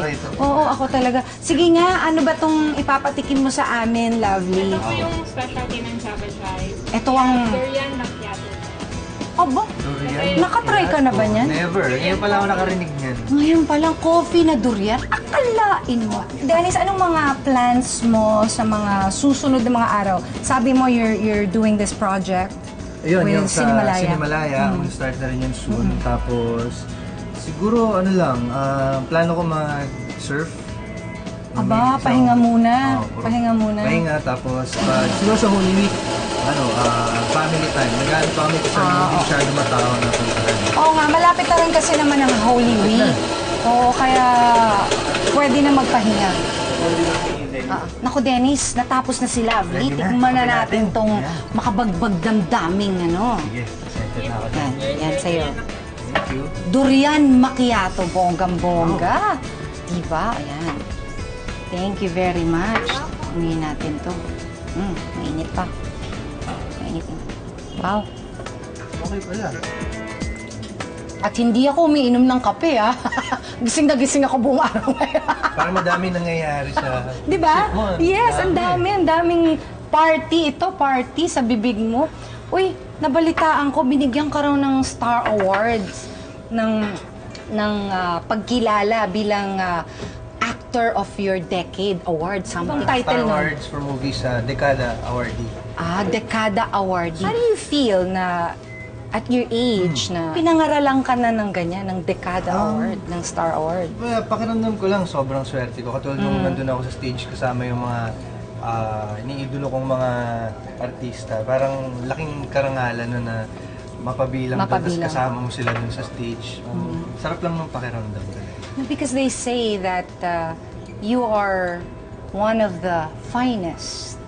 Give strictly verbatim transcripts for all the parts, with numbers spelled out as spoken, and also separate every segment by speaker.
Speaker 1: ito.
Speaker 2: Oo, ako talaga. Sige nga, ano ba tong ipapatikim mo sa amin, Lovely?
Speaker 3: Ito po yung specialty ng Java Chai.
Speaker 2: Ito ang...
Speaker 3: Durian macchiato.
Speaker 2: Aba,
Speaker 1: Durian.
Speaker 2: nakatry ka na ba niyan?
Speaker 1: Never. Ngayon pala ako nakarinig niyan.
Speaker 2: Ngayon palang coffee na durian, akalain mo. Dennis, anong mga plans mo sa mga susunod na mga araw? Sabi mo you're you're doing this project
Speaker 1: Ayun,
Speaker 2: with
Speaker 1: yung sa
Speaker 2: Cinemalaya.
Speaker 1: Cinemalaya,
Speaker 2: Mm.
Speaker 1: mag-start na rin yun soon. Tapos, siguro ano lang, ah, plano ko mag-surf.
Speaker 2: Aba,
Speaker 1: Maybe
Speaker 2: pahinga
Speaker 1: isang-
Speaker 2: muna.
Speaker 1: Oo, puro-
Speaker 2: Pahinga muna.
Speaker 1: Pahinga, tapos pag siguro sa Holy Week, ano, ah, family time. Nag-ano pa kami kasi
Speaker 2: Ah,
Speaker 1: hindi
Speaker 2: oo.
Speaker 1: masyado matao na puntahan.
Speaker 2: Oo nga, malapit na rin kasi naman ang Holy Week. Oo, kaya pwede na magpahinga. Ah, naku Dennis, natapos na si Lovely.
Speaker 1: Ready na,
Speaker 2: Tikman na
Speaker 1: kape
Speaker 2: natin
Speaker 1: natin.
Speaker 2: tong
Speaker 1: Yan.
Speaker 2: makabagbag damdaming ano.
Speaker 1: Sige, excited na ako.
Speaker 2: Yan, yan sa'yo.
Speaker 1: Thank you.
Speaker 2: Durian macchiato, bonggang-bongga. Diba? Ayan. Thank you very much. Umihin natin to. Hmm, mainit pa. Mainit na. Wow.
Speaker 1: Okay pala.
Speaker 2: At hindi ako umiinom ng kape, ah. Gising na gising ako buong araw ngayon.
Speaker 1: Parang madaming nangyayari sa...
Speaker 2: Di ba?
Speaker 1: isip mo.
Speaker 2: Yes, ang dami. Ang daming party. Ito, party sa bibig mo. Uy, nabalitaan ko, binigyan ka raw ng Star Awards ng, ng ah, pagkilala bilang ah, Actor of Your Decade Award. Something
Speaker 1: Star
Speaker 2: title nun.
Speaker 1: Awards for movies sa Dekada Awardee.
Speaker 2: Ah, Dekada Awardee. How do you feel na at your age na pinangaralan ka na ng ganyan, ng Dekada
Speaker 1: Um,
Speaker 2: Award, ng Star Award?
Speaker 1: Well, pakiramdam ko lang, sobrang swerte ko. Katulad nung nandun ako sa stage kasama yung mga ah, iniidolo kong mga artista. Parang laking karangalan no, na mapabilang, doon,
Speaker 2: Mapabilang.
Speaker 1: tapos kasama mo sila dun sa stage. Um, Sarap lang ng pakiramdam talaga.
Speaker 2: Because they say that uh, you are one of the finest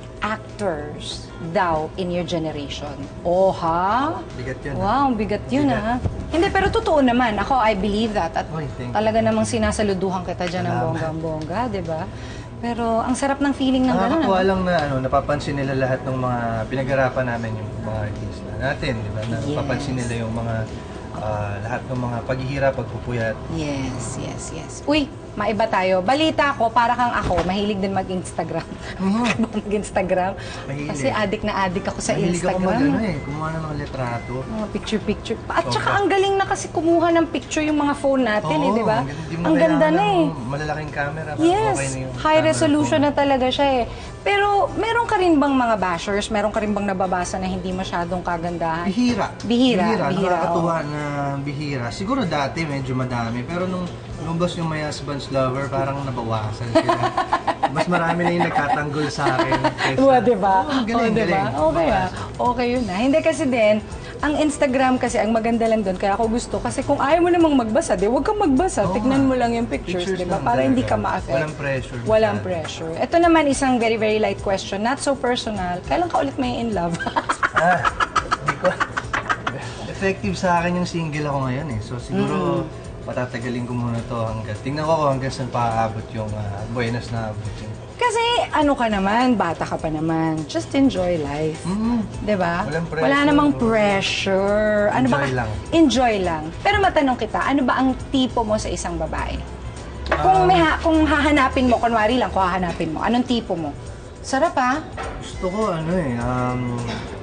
Speaker 2: actors daw in your generation. Oh, ha?
Speaker 1: Bigat yun.
Speaker 2: Wow, ang bigat yun,
Speaker 1: Bigat.
Speaker 2: ha? Hindi, pero totoo naman. Ako, I believe that. At
Speaker 1: Oy, thank you.
Speaker 2: talaga namang sinasaluduhan kita dyan ng
Speaker 1: Salamat.
Speaker 2: bonggang-bongga, di ba? Pero ang sarap ng feeling ng gano'n.
Speaker 1: Nakakatuwa
Speaker 2: ano?
Speaker 1: lang na ano, napapansin nila lahat ng mga pinag-arapan namin yung mga artista natin, di ba? Na
Speaker 2: Yes.
Speaker 1: napapansin nila yung mga ah, lahat ng mga paghihirap, pagpupuyat.
Speaker 2: Yes, yes, yes. Uy, maiba tayo. Balita ko, para kang ako, mahilig din mag-Instagram.
Speaker 1: Mhm.
Speaker 2: mag-Instagram.
Speaker 1: Mahilig.
Speaker 2: Kasi adik na adik ako sa
Speaker 1: Mahilig ako
Speaker 2: Instagram.
Speaker 1: mag, ano eh, kumuha ng mga litrato.
Speaker 2: Mga picture-picture. At
Speaker 1: Sobra.
Speaker 2: saka ang galing na kasi kumuha ng picture yung mga phone natin, eh,
Speaker 1: Oo,
Speaker 2: di ba?
Speaker 1: hindi mo
Speaker 2: Ang ganda
Speaker 1: kailangan
Speaker 2: na eh.
Speaker 1: ng malalaking camera. parang
Speaker 2: Yes,
Speaker 1: okay na yung
Speaker 2: high
Speaker 1: camera
Speaker 2: resolution
Speaker 1: phone.
Speaker 2: na talaga siya eh. Pero meron ka rin bang mga bashers? Meron ka rin bang nababasa na hindi masyadong kagandahan?
Speaker 1: Bihira.
Speaker 2: Bihira, bihira,
Speaker 1: Nakakatuwa na bihira. Siguro dati medyo madami, pero nung lumabas yung My Husband's Lover, parang nabawasan sila. Mas marami na yung nagtatanggol sa akin. Kaysa,
Speaker 2: Diba, di ba?
Speaker 1: Oo, ang galing,
Speaker 2: Oh, diba?
Speaker 1: galing.
Speaker 2: Okay ah.
Speaker 1: Bawasan.
Speaker 2: Okay yun na. Hindi kasi din, ang Instagram kasi, ang maganda lang doon, kaya ako gusto, kasi kung ayaw mo namang magbasa, di huwag kang magbasa.
Speaker 1: Oo
Speaker 2: Tignan
Speaker 1: nga.
Speaker 2: mo lang yung pictures,
Speaker 1: Pictures
Speaker 2: di ba?
Speaker 1: lang
Speaker 2: Para hindi ka
Speaker 1: talaga.
Speaker 2: ma-affect.
Speaker 1: Walang pressure.
Speaker 2: Walang
Speaker 1: masyado.
Speaker 2: pressure. Ito naman isang very, very light question, not so personal. Kailan ka ulit may in love?
Speaker 1: Ah, hindi ko. Effective sa akin yung single ako ngayon eh. So siguro patatagalin ko muna to hanggang tingnan ko kung hanggang saan paabot yung ah, buenas na abot yun.
Speaker 2: Kasi ano ka naman, bata ka pa naman. Just enjoy life.
Speaker 1: Mm.
Speaker 2: 'Di ba?
Speaker 1: Walang pressure.
Speaker 2: Wala namang pressure. Ano ba?
Speaker 1: Enjoy lang.
Speaker 2: Enjoy lang. Pero matanong kita, ano ba ang tipo mo sa isang babae? Kung
Speaker 1: Um,
Speaker 2: may ha- kung hahanapin mo, kunwari lang, kung hahanapin mo, anong tipo mo? Sarap ah.
Speaker 1: Gusto ko ano eh, um,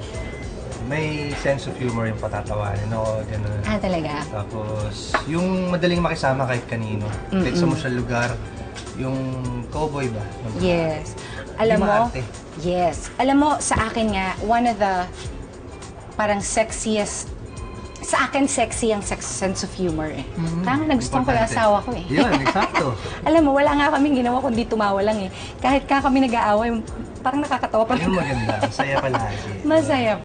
Speaker 1: may sense of humor yung patatawanin ako, gano'n.
Speaker 2: Ah, talaga?
Speaker 1: Tapos, yung madaling makisama kahit kanino. Kahit sa mo sa lugar, yung cowboy ba?
Speaker 2: Yes. Alam
Speaker 1: Hindi
Speaker 2: mo?
Speaker 1: maarte.
Speaker 2: Yes. Alam mo, sa akin nga, one of the parang sexiest sa akin, sexy ang sex sense of humor eh.
Speaker 1: Mhm.
Speaker 2: Kaya nga nagustuhan ko yung
Speaker 1: Importante.
Speaker 2: asawa ko eh.
Speaker 1: Yun, eksakto.
Speaker 2: Alam mo, wala nga kaming ginawa kundi tumawa lang eh. Kahit ka kami nag-aaway, parang nakakatawa pa
Speaker 1: Yun maganda, masaya palagi.
Speaker 2: Masaya